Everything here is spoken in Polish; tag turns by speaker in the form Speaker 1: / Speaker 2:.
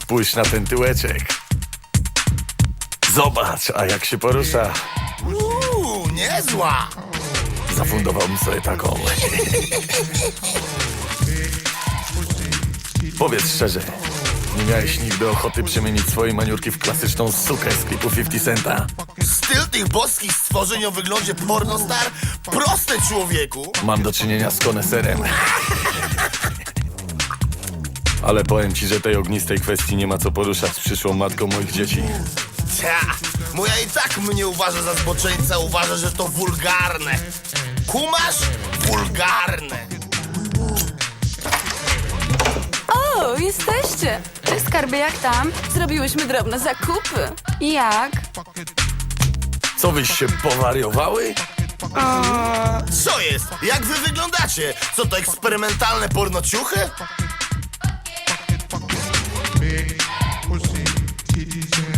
Speaker 1: Spójrz na ten tyłeczek. Zobacz, a jak się porusza.
Speaker 2: Niezła!
Speaker 1: Zafundowałbym sobie taką. Powiedz szczerze, nie miałeś nigdy ochoty przemienić swojej maniurki w klasyczną sukę z klipu 50 Centa?
Speaker 2: Styl tych boskich stworzeń o wyglądzie pornostar? Proste, człowieku!
Speaker 1: Mam do czynienia z koneserem. Ale powiem ci, że tej ognistej kwestii nie ma co poruszać z przyszłą matką moich dzieci.
Speaker 2: Cia, moja i tak mnie uważa za zboczeńca, uważa, że to wulgarne. Kumasz? Wulgarne.
Speaker 3: O, jesteście! Cześć, skarbie, jak tam? Zrobiłyśmy drobne zakupy. Jak?
Speaker 1: Co wyś się powariowały?
Speaker 2: Co jest? Jak wy wyglądacie? Co to, eksperymentalne pornociuchy?
Speaker 4: Big pussy, titties and